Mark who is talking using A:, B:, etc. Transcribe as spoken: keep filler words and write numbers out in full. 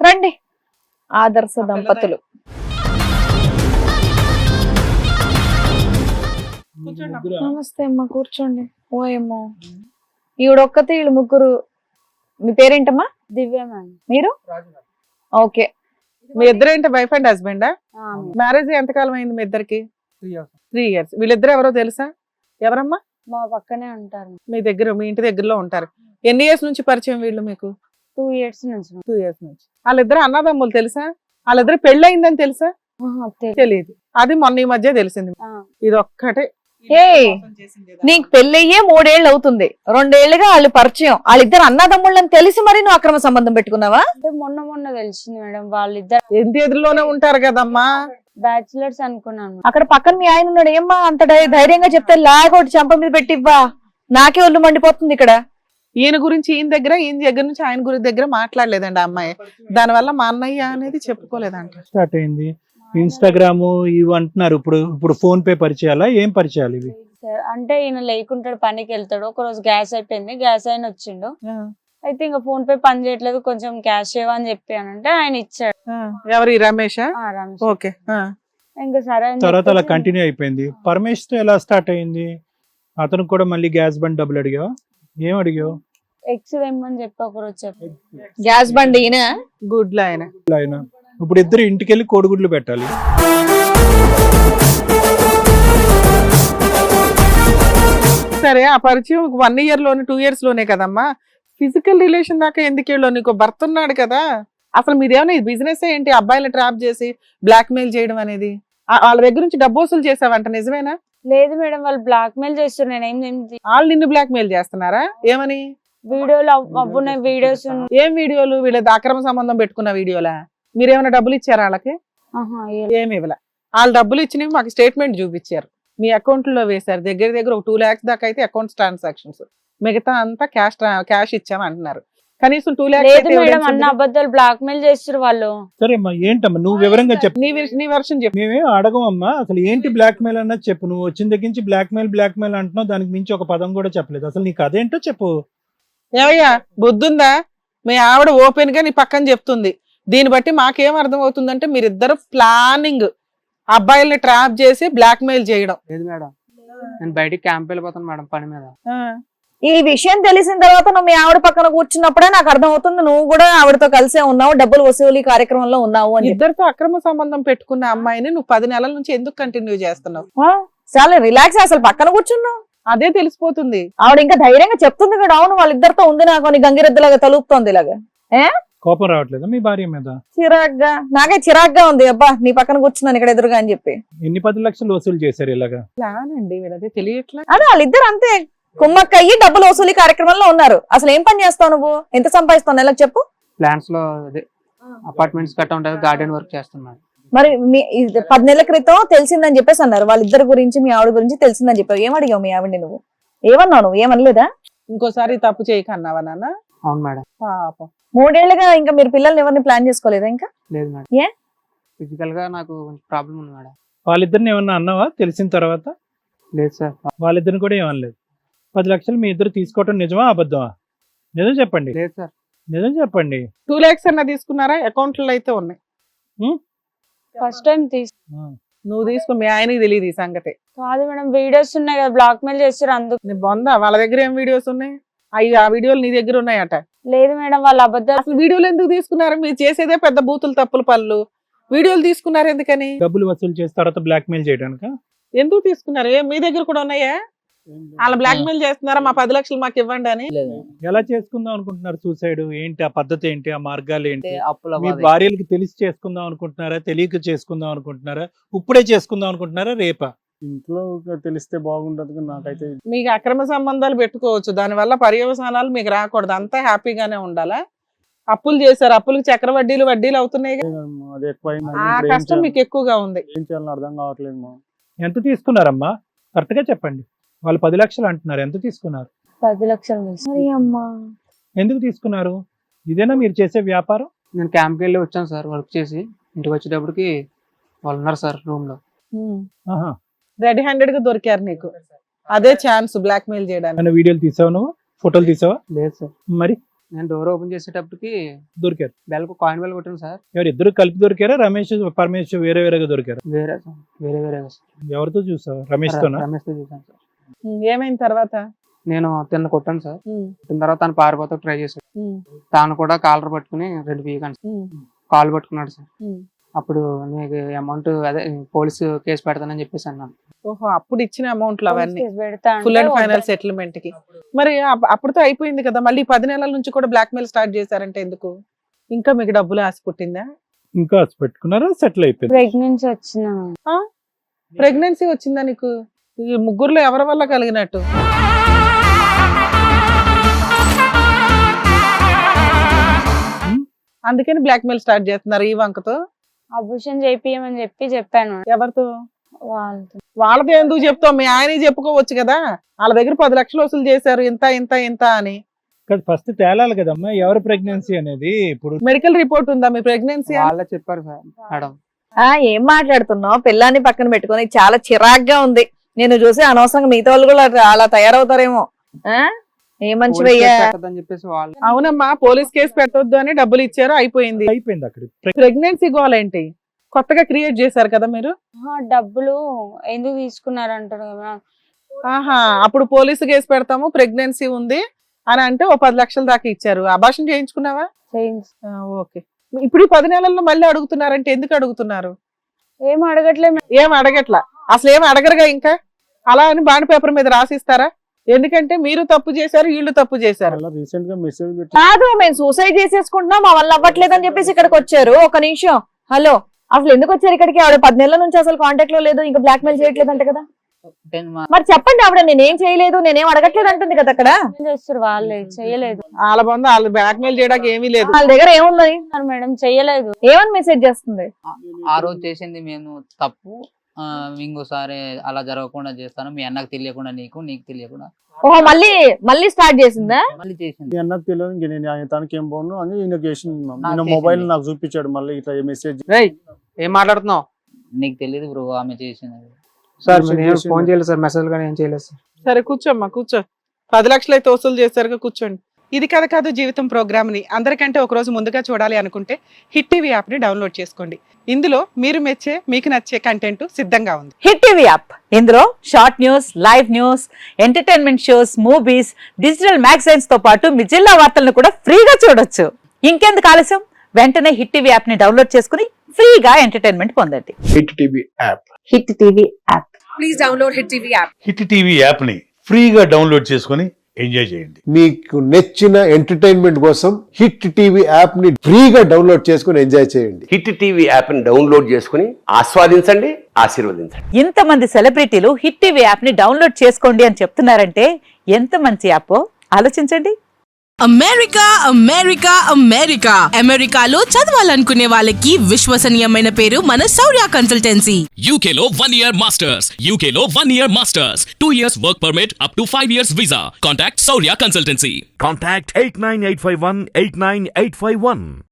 A: రండి ఆదర్శ దంపతులు. నమస్తే అమ్మా, కూర్చోండి. ఓ ఏమో ఈవిడొక్కతే, వీళ్ళు ముగ్గురు. మీ పేరేంటమ్మా?
B: దివ్య.
A: మీరు? ఓకే.
C: మీ ఇద్దరు ఏంటి వైఫ్ అండ్ హస్బెండా? మ్యారేజ్ ఎంతకాలం అయింది మీ ఇద్దరికి? Three years. వీళ్ళిద్దరు ఎవరో తెలుసా? ఎవరమ్మా?
B: మా పక్కనే ఉంటారు.
C: మీ దగ్గర, మీ ఇంటి దగ్గరలో ఉంటారు. ఎన్ని ఇయర్స్ నుంచి పరిచయం వీళ్ళు మీకు?
B: టూ ఇయర్స్ నుంచి.
C: టూ ఇయర్స్ నుంచి. వాళ్ళిద్దరు అన్నదమ్ములు తెలుసా? వాళ్ళిద్దరు పెళ్లి అయిందని తెలుసా? తెలియదు. అది మొన్న ఈ మధ్య తెలిసింది. ఇది ఒక్కటే.
A: ఏ నీకు పెళ్ళయ్యే మూడేళ్ళు అవుతుంది, రెండేళ్లుగా వాళ్ళు పరిచయం. వాళ్ళిద్దరు అన్నదమ్ముళ్ళని తెలిసి మరి నువ్వు అక్రమ సంబంధం పెట్టుకున్నావా?
B: అంటే మొన్న మొన్న తెలిసింది మేడం. వాళ్ళిద్దరు
C: ఇంటి ఎదురులోనే ఉంటారు కదమ్మా.
B: బ్యాచులర్స్ అనుకున్నాను.
A: అక్కడ పక్కన మీ ఆయన ఉన్నాడు. ఏమ్మా అంత ధై- ధైర్యంగా చెప్తే లాగొట్టి చంప మీద పెట్టివ్వా. నాకే ఒళ్ళు మండిపోతుంది ఇక్కడ.
C: ఈయన గురించి ఈయన దగ్గర, ఈయన దగ్గర నుంచి ఆయన గురించి దగ్గర మాట్లాడలేదండి ఆ అమ్మాయి. దానివల్ల మా అన్నయ్య అనేది చెప్పుకోలేదంట.
D: స్టార్ట్ అయింది ఇన్స్టాగ్రామ్ ఇవి అంటున్నారు. ఇప్పుడు ఇప్పుడు ఫోన్ పే పరిచయాలా, ఏం పరిచయాలు ఇవి?
B: సార్ అంటే ఈయన లేకుంటాడు, పనికి వెళ్తాడు. ఒక రోజు గ్యాస్ అయిపోయింది, గ్యాస్ అయిన వచ్చిండు. అయితే ఇంకా ఫోన్ పే పని చేయట్లేదు, కొంచెం క్యాష్ ఇవ్వ అని చెప్పానంటే ఆయన ఇచ్చాడు.
C: ఎవరు? ఈ రమేషా?
B: ఆ, రమేష్.
C: ఓకే.
B: ఇంకా సరే అని
D: తర్వాత అలా
B: చెప్పేసి
D: కంటిన్యూ అయిపోయింది. పరమేష్ తో ఎలా స్టార్ట్ అయింది? అతను కూడా మళ్ళీ గ్యాస్ బండ్ డబ్బులు అడిగావా? ఏం అడిగావు?
B: ఎక్స్ తెమ్మని చెప్పి ఒక రోజు చెప్పి
A: గ్యాస్ బండి ఈయన.
C: గుడ్లు ఆయన.
D: ఆయన ఇప్పుడు ఇద్దరు ఇంటికి వెళ్ళి కోడిగుడ్లు పెట్టాలి.
C: సరే, ఆ పరిచయం వన్ ఇయర్ లోనే, టూ ఇయర్స్ లోనే కదమ్మా. ఫిజికల్ రిలేషన్ దాకా ఎందుకు వెళ్ళు? నీకు భర్త ఉన్నాడు కదా. అసలు మీదేమైనా బిజినెస్ ఏంటి? అబ్బాయిలు ట్రాప్ చేసి బ్లాక్ మెయిల్ చేయడం అనేది. ఆ- వాళ్ళ దగ్గర నుంచి డబ్బు వసూలు చేసావంట, నిజమేనా?
B: లేదు మేడం, వాళ్ళు బ్లాక్ మెయిల్ చేస్తారు. నేను ఏం ఏం
C: వాళ్ళు నిన్ను బ్లాక్ మెయిల్ చేస్తున్నారా? ఏమని?
B: వీడియోలు అవ్- అవ్వున్నాయి, వీడియోస్ ఉన్నాయి.
C: ఏం వీడియోలు? వీళ్ళది అక్రమ సంబంధం పెట్టుకున్న వీడియోలా? మీరేమైనా డబ్బులు ఇచ్చారా వాళ్ళకి?
B: ఆహా, ఏ-
C: ఏమి ఇవ్వలే. వాళ్ళు డబ్బులు ఇచ్చినవి మాకు స్టేట్మెంట్ చూపించారు, మీ అకౌంట్ లో వేశారు. దగ్గర దగ్గర ఒక టూ లాక్స్ దాకా అయితే అకౌంట్ ట్రాన్సాక్షన్స్, మిగతా అంతా క్యాష్ క్యాష్ ఇచ్చాము అంటున్నారు. కనీసం టూ
B: లేదు మేడం, అన్న
C: లాక్స్.
B: అబద్ధాలు బ్లాక్ మెయిల్ చేస్తారు వాళ్ళు.
D: సరే అమ్మా, ఏంటమ్మా నువ్వు వివరంగా చెప్పు.
C: నీ విష- నీ వర్షన్ చెప్పు.
D: మేమేం అడగమమ్మా, అసలు ఏంటి బ్లాక్ మెయిల్ అన్నది చెప్పు. నువ్వు వచ్చిన దగ్గర నుంచి బ్లాక్ మెయిల్ బ్లాక్ మెయిల్ అంటున్నావు, దానికి మించి ఒక పదం కూడా చెప్పలేదు. అసలు నీకు అదేంటో చెప్పు.
C: ఏమయ్యా, బుద్ధుందా? మీ ఆవిడ ఓపెన్ గా నీ పక్కన చెప్తుంది. దీన్ని బట్టి మాకేం అర్థం అవుతుందంటే మీరిద్దరు ప్లానింగ్ అబ్బాయిల్ని ట్రాప్ చేసి బ్లాక్ మెయిల్ చేయడం.
E: లేదు మేడం, నేను బయటికి క్యాంప్ వెళ్ళిపోతాను మేడం పని మీద.
C: ఆ,
A: ఈ విషయం తెలిసిన తర్వాత నువ్వు మీ ఆవిడ పక్కన కూర్చున్నప్పుడే నాకు అర్థం అవుతుంది నువ్వు కూడా ఆవిడతో కలిసే ఉన్నావు, డబ్బులు వసూలు కార్యక్రమంలో ఉన్నావు అని చెప్పి.
C: ఇద్దరితో అక్రమ సంబంధం పెట్టుకున్న అమ్మాయిని నువ్వు పది నెలల నుంచి ఎందుకు కంటిన్యూ చేస్తున్నావు?
A: ఆ, చాలా రిలాక్స్. అసలు పక్కన కూర్చున్నావు,
C: అదే తెలిసిపోతుంది.
A: ఆవిడ ఇంకా ధైర్యంగా చెప్తుంది కూడా. అవును, వాళ్ళిద్దరితో ఉంది నాకు అని గంగిరెద్దులాగా తలుపుతోంది ఇలాగా.
D: కోపం రావట్లేదా మీ భార్య మీద?
A: చిరాగ్గా, నాకే చిరాగ్గా ఉంది. అబ్బా నీ పక్కన కూర్చున్నాను ఇక్కడ ఎదురుగా అని చెప్పి.
D: ఎన్ని పది లక్షలు వసూలు చేశారు ఇలాగా?
C: ప్లాన్ అండి వీళ్ళదే, తెలియట్లా.
A: అదే వాళ్ళిద్దరు అంతే కుమ్మక్క అయ్యి డబ్బులు వసూలు కార్యక్రమంలో ఉన్నారు. అసలు ఏం పని చేస్తావు నువ్వు? ఎంత సంపాదిస్తావు నెలకు చెప్పు?
E: ప్లాన్స్ లో అదే అపార్ట్మెంట్స్ కట్ట ఉంటుంది, గార్డెన్ వర్క్ చేస్తున్నాను.
A: మరి మీ ఇది పది నెలల క్రితం తెలిసిందని చెప్పేసి అన్నారు. వాళ్ళిద్దరి గురించి మీ ఆవిడ గురించి తెలిసిందని చెప్పావు. ఏం అడిగావు మీ ఆవిడని నువ్వు? ఏమన్నావు నువ్వు? ఏమనలేదా?
C: ఇంకోసారి తప్పు చేయకన్నావా నాన్న?
E: అవును మేడం.
C: పాపం.
A: మూడేళ్లుగా ఇంకా మీరు పిల్లల్ని ఎవరిని ప్లాన్ చేసుకోలేదా ఇంకా?
E: లేదు మేడం.
A: ఏ?
E: ఫిజికల్ గా నాకు ప్రాబ్లం ఉంది మేడం.
D: వాళ్ళిద్దరిని ఏమన్నా అన్నావా తెలిసిన తర్వాత?
E: లేదు సార్.
D: వాళ్ళిద్దరిని కూడా ఏమనలేదు. పది లక్షలు మీ ఇద్దరు తీసుకోవటం నిజమా అబద్ధమా? నిజం చెప్పండి,
E: లేదు సార్.
D: నిజం చెప్పండి.
C: టూ లాక్స్ అన్న తీసుకున్నారా? అకౌంట్ లో అయితే ఉన్నాయి.
B: ఫస్ట్ టైం తీసు
C: నువ్వు తీసుకుని మీ ఆయనకి తెలియదు ఈ సంగతి.
B: కాదు మేడం, వీడియోస్ ఉన్నాయి కదా, బ్లాక్ మెయిల్ చేస్తారు అందుకు.
C: నీ బొందా, వాళ్ళ దగ్గర ఏం వీడియోస్ ఉన్నాయి? అవి ఆ వీడియోలు నీ దగ్గర ఉన్నాయట.
B: లేదు మేడం, వాళ్ళ అబద్ధాలు.
C: అసలు వీడియోలు ఎందుకు తీసుకున్నారు? మీరు చేసేదే పెద్ద బూతులు తప్పులు పనులు. వీడియోలు తీసుకున్నారు ఎందుకని?
D: డబ్బులు వసూలు చేసి తర్వాత బ్లాక్ మెయిల్ చేయడానికి.
C: ఎందుకు తీసుకున్నారు? ఏ మీ దగ్గర కూడా ఉన్నాయా? వాళ్ళ బ్లాక్ మెయిల్ చేస్తున్నారా మా పది లక్షలు మాకు ఇవ్వండి అని?
D: ఎలా చేసుకుందాం అనుకుంటున్నారు సూసైడ్? ఏంటి ఆ పద్ధతి ఏంటి, ఆ మార్గాలు ఏంటి?
E: అప్పుల
D: మీ భార్యలకు తెలిసి చేసుకుందాం అనుకుంటున్నారా, తెలియక చేసుకుందాం అనుకుంటున్నారా, ఇప్పుడే చేసుకుందాం అనుకుంటున్నారా, రేపా?
F: ఇంట్లో తెలిస్తే బాగుంటది. నాకైతే
C: మీకు అక్రమ సంబంధాలు పెట్టుకోవచ్చు, దానివల్ల పర్యవసానాలు మీకు రాకూడదు. అంతా హ్యాపీగానే ఉండాలా? అప్పులు చేశారు, అప్పులకు చక్ర వడ్డీలు వడ్డీలు అవుతున్నాయి.
F: అది ఎక్కువ
C: ఆ కష్టం మీకు ఎక్కువగా ఉంది.
F: ఏం చేయాలని అర్థం కావట్లేదు మా.
D: ఎంత తీసుకున్నారమ్మా? కరెక్ట్ గా చెప్పండి. వాళ్ళు పది లక్షలు అంటున్నారు, ఎంత తీసుకున్నారు?
B: పది లక్షలు తీసు-
A: సరే అమ్మా.
D: ఎందుకు తీసుకున్నారు? ఇదేనా మీరు చేసే వ్యాపారం?
E: నేను క్యాంప్కి వెళ్ళి వచ్చాను సార్, వర్క్ చేసి ఇంటికి వచ్చేటప్పటికి వాళ్ళు ఉన్నారు సార్ రూమ్ లో.
D: ఆహా.
C: రెడీ హ్యాండెడ్ గా దొరికారు నీకు. అదే ఛాన్స్ బ్లాక్ మెయిల్ చేయడానికి.
D: ఏమైనా వీడియోలు తీసావా నువ్వు? ఫోటోలు తీసావా?
E: లేదు సార్.
D: మరి
E: నేను డోర్ ఓపెన్ చేసేటప్పటికి
D: దొరికారు.
E: బెల్ కాయిన్ బెల్ కొట్టాను సార్.
D: ఎవరు ఇద్దరు కలిపి దొరికారా? రమేష్ పరమేష్ వేరే వేరేగా దొరికారు?
E: వేరే సార్, వేరే వేరేగా సార్.
D: ఎవరితో చూసావు? రమేష్ తోనా?
E: రమేష్ తో చూసాను సార్.
C: ఏమైంది తర్వాత?
E: నేను తిన్న కొట్టాను సార్.
C: ఉమ్,
E: కొట్టిన తర్వాత తను పారిపోతా ట్రై చేశాడు.
C: ఉమ్,
E: తాను కూడా కాలర్ పట్టుకుని రెండు పీకాను సార్.
C: ఉమ్,
E: కాల్ పట్టుకున్నాడు సార్.
C: ఉమ్.
E: అప్పుడు నీకు అమౌంట్ అదే పోలీసు కేసు పెడతానని చెప్పేసి అన్నాను.
C: ఓహో, అప్పుడు ఇచ్చిన అమౌంట్లు అవన్నీ
B: కేసు పెడతా అంటే
C: ఫుల్ అండ్ ఫైనల్
B: వద్దు.
C: సెటిల్మెంట్ కి. మరి అప్- అప్పుడుతో అయిపోయింది కదా, మళ్ళీ పది నెలల నుంచి కూడా బ్లాక్ మెయిల్ స్టార్ట్ చేశారంటే ఎందుకు? ఇంకా మీకు డబ్బులు ఆశ పుట్టిందా?
D: ఇంకా పెట్టుకున్నారా? సెటిల్ అయిపోయింది.
B: ప్రెగ్నెన్సీ వచ్చిన
C: ప్రెగ్నెన్సీ వచ్చిందా నీకు? ఈ ముగ్గురులో ఎవరి వల్ల కలిగినట్టు? అందుకని బ్లాక్ మెయిల్ స్టార్ట్ చేస్తున్నారు ఈ వంకతో.
B: అబూషన్ చేపియమని చెప్పి చెప్పాను
C: ఎవరితో?
B: వాళ్ళతో.
C: వాళ్ళతో ఎందుకు చెప్తావు? మీ ఆయన చెప్పుకోవచ్చు కదా, వాళ్ళ దగ్గర పది లక్షలు వసూలు చేశారు ఇంత ఇంత ఇంత అని.
D: ఫస్ట్ తేలాలి కదమ్మా ఎవరు ప్రెగ్నెన్సీ అనేది. ఇప్పుడు
C: మెడికల్ రిపోర్ట్ ఉందా మీ ప్రెగ్నెన్సీ?
E: వాళ్ళే చెప్పారు సార్ మేడం.
A: ఆ ఏం మాట్లాడుతున్నావు? పిల్లాన్ని పక్కన పెట్టుకొని చాలా చిరాగ్గా ఉంది. నేను చూసి అనవసరంగా మిగతా వాళ్ళు కూడా అట్లా- అలా తయారవుతారేమో. ఆ ఏ మంచి
E: పోలీస్
A: భయ్యా.
E: కేసు పెట్టొద్దని చెప్పేసి వాళ్ళు
C: అవునమ్మా, పోలీస్ కేసు పెట్టొద్దు అని డబ్బులు ఇచ్చారు, అయిపోయింది.
D: అయిపోయింది అక్కడ.
C: ప్రెగ్నెన్సీ గోల్ ఏంటి? కొత్తగా క్రియేట్ చేశారు కదా మీరు.
B: ఆహా, డబ్బులు ఎందుకు తీసుకున్నారు అంటాడు కదా.
C: ఆహా, అప్పుడు పోలీసు కేసు పెడతాము ప్రెగ్నెన్సీ ఉంది అని అంటే ఓ పది లక్షల దాకా ఇచ్చారు. అబార్షన్ చేయించుకున్నావా?
B: చేయించు.
C: ఆ, ఓకే. ఇప్పుడు ఈ పది నెలల్లో మళ్ళీ అడుగుతున్నారంటే ఎందుకు అడుగుతున్నారు?
B: ఏం అడగట్లేదు.
C: ఏం అడగట్లా, అసలు ఏం అడగరుగా ఇంకా. అలా అని బాండ్ పేపర్ మీద రాసిస్తారా? ఎందుకంటే మీరు తప్పు చేశారు, వీళ్ళు తప్పు చేశారు.
F: అలా రీసెంట్ గా మెసేజ్ పెట్టి
A: కాదు, మేము సూసైడ్ చేసేసుకుంటున్నాం, మా వల్ల అవ్వట్లేదు అని చెప్పేసి ఇక్కడికి వచ్చారు. ఒక నిమిషం, హలో, అసలు ఎందుకు వచ్చారు ఇక్కడికి? ఆవిడ పది నెలల నుంచి అసలు కాంటాక్ట్ లో లేదు, ఇంకా బ్లాక్ మెయిల్ చేయట్లేదు అంట కదా. మరి చెప్పండి, ఆవిడ నేనేం చేయలేదు, నేనేం అడగట్లేదు అంటుంది కదా అక్కడ.
B: ఏం చేస్తారు వాళ్ళే, చెయ్యలేదు
C: వాళ్ళ బంధు వాళ్ళు బ్లాక్ మెయిల్ చేయడానికి ఏమీ లేదు.
A: వాళ్ళ దగ్గర ఏముందని
B: మేడం, చెయ్యలేదు.
A: ఏమని మెసేజ్ చేస్తుంది?
G: ఆ రోజు చేసింది మేము తప్పు, ఆ, ఇంకోసారి అలా జరగకుండా చేస్తాను, మీ అన్నకు తెలియకుండా, నీకు నీకు తెలియకుండా
A: ఓహో, మళ్ళీ మళ్ళీ స్టార్ట్ చేసిందా?
G: మళ్ళీ చేసింది.
F: మీ అన్నకు తెలియదు, ఇంక నేను ఆయన తనకి ఏం బాగున్నాను అని ఈయన చేసింది.
G: నాకు
F: ఈయన
G: చేసింది.
F: మొబైల్ నాకు చూపించాడు, మళ్ళీ ఇట్లా మెసేజ్.
E: రేయ్ ఏం మాట్లాడుతున్నావు
G: నీకు తెలియదు బ్రో ఆమె చేసింది.
E: సార్?
F: మెసేజ్
E: మీరు ఏం
F: చేసింది.
E: ఫోన్ చేయలేదు సార్, మెసేజ్ కానీ ఏం చేయలేదు సార్.
C: సరే కూర్చోమ్మా, కూర్చో. పది లక్షలు అయితే వసూలు చేశారుగా, కూర్చోండి. ఇది కథ కాదు జీవితం ప్రోగ్రామ్ ని అందరికంటే ఒక రోజు ముందుగా చూడాలి అనుకుంటే హిట్ టీవీ యాప్ ని డౌన్లోడ్ చేసుకోండి. ఇందులో మీరు మెచ్చే, మీకు నచ్చే కంటెంట్ సిద్ధంగా ఉంది.
H: హిట్ టీవీ యాప్ ఇందులో short news, live news, entertainment shows, movies, digital magazines తో పాటు మీ జిల్లా వార్తలను కూడా ఫ్రీగా చూడొచ్చు. ఇంకెందుకు ఆలస్యం? వెంటనే హిట్ టీవీ యాప్ ని డౌన్లోడ్ చేసుకుని ఫ్రీగా ఎంటర్టైన్మెంట్ పొందండి.
I: Hit TV app
H: Hit TV app.
C: Please download Hit TV app.
J: Hit TV యాప్ని ఫ్రీగా డౌన్లోడ్ చేసుకొని ఎంజాయ్ చేయండి.
I: మీకు నచ్చిన ఎంటర్టైన్మెంట్ కోసం హిట్ టీవీ యాప్ ని ఫ్రీగా డౌన్లోడ్ చేసుకుని ఎంజాయ్ చేయండి.
K: హిట్ టీవీ యాప్ని డౌన్లోడ్ చేసుకుని ఆస్వాదించండి, ఆశీర్వదించండి.
H: ఇంతమంది సెలబ్రిటీలు హిట్ టీవీ యాప్ ని డౌన్లోడ్ చేసుకోండి అని చెప్తున్నారంటే ఎంత మంచి యాప్ ఆలోచించండి.
L: అమెరికా అమెరికా అమెరికా అమెరికాలో చదవాలనుకునే వాళ్ళకి విశ్వసనీయమైన పేరు మన శౌర్య కన్సల్టెన్సీ.
M: యూకేలో వన్ ఇయర్ మాస్టర్స్, యూకేలో one year masters, two years work permit, up to five years visa. Contact Shaurya consultancy.
N: Contact eight nine eight five one eight nine eight five one.